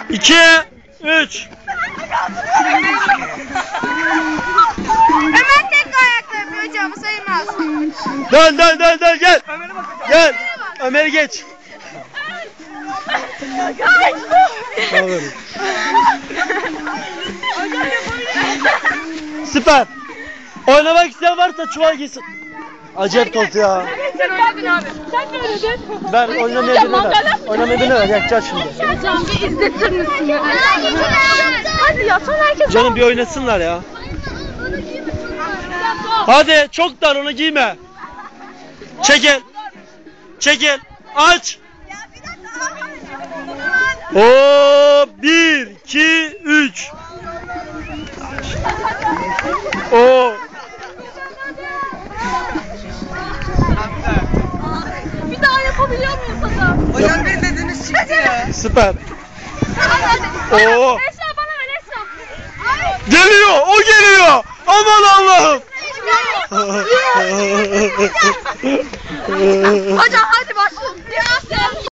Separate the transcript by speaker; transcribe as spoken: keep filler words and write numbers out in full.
Speaker 1: iki, üç.
Speaker 2: Ömer tek ayakta yapıyor hocam, sayılmaz.
Speaker 1: Dön dön dön dön gel. Gel. Ömer geç. Süper. Oynamak isteyen varsa çuval gitsin. Acayip top ya.
Speaker 2: Sen oynadın abi. Sen ne oynadın?
Speaker 1: Ben oynamayı birine ver. Oynamayı birine ver. Yakacağız şimdi.
Speaker 2: Hocam bir izletir misin ya? Hadi ya, son herkes.
Speaker 1: Canım bir oynasınlar ya. Hadi çok dar, onu giyme. Çekil. Çekil. Aç. Oo, bir, iki, üç. Oo.
Speaker 2: Bir daha yapabiliyor muyuz hocam?
Speaker 3: Hocam ne dediniz çıktı ya.
Speaker 1: Süper. Oo.
Speaker 2: Esra bana ver Esra.
Speaker 1: Geliyor, o geliyor. Aman Allah'ım.
Speaker 2: Hocam hadi başlayalım.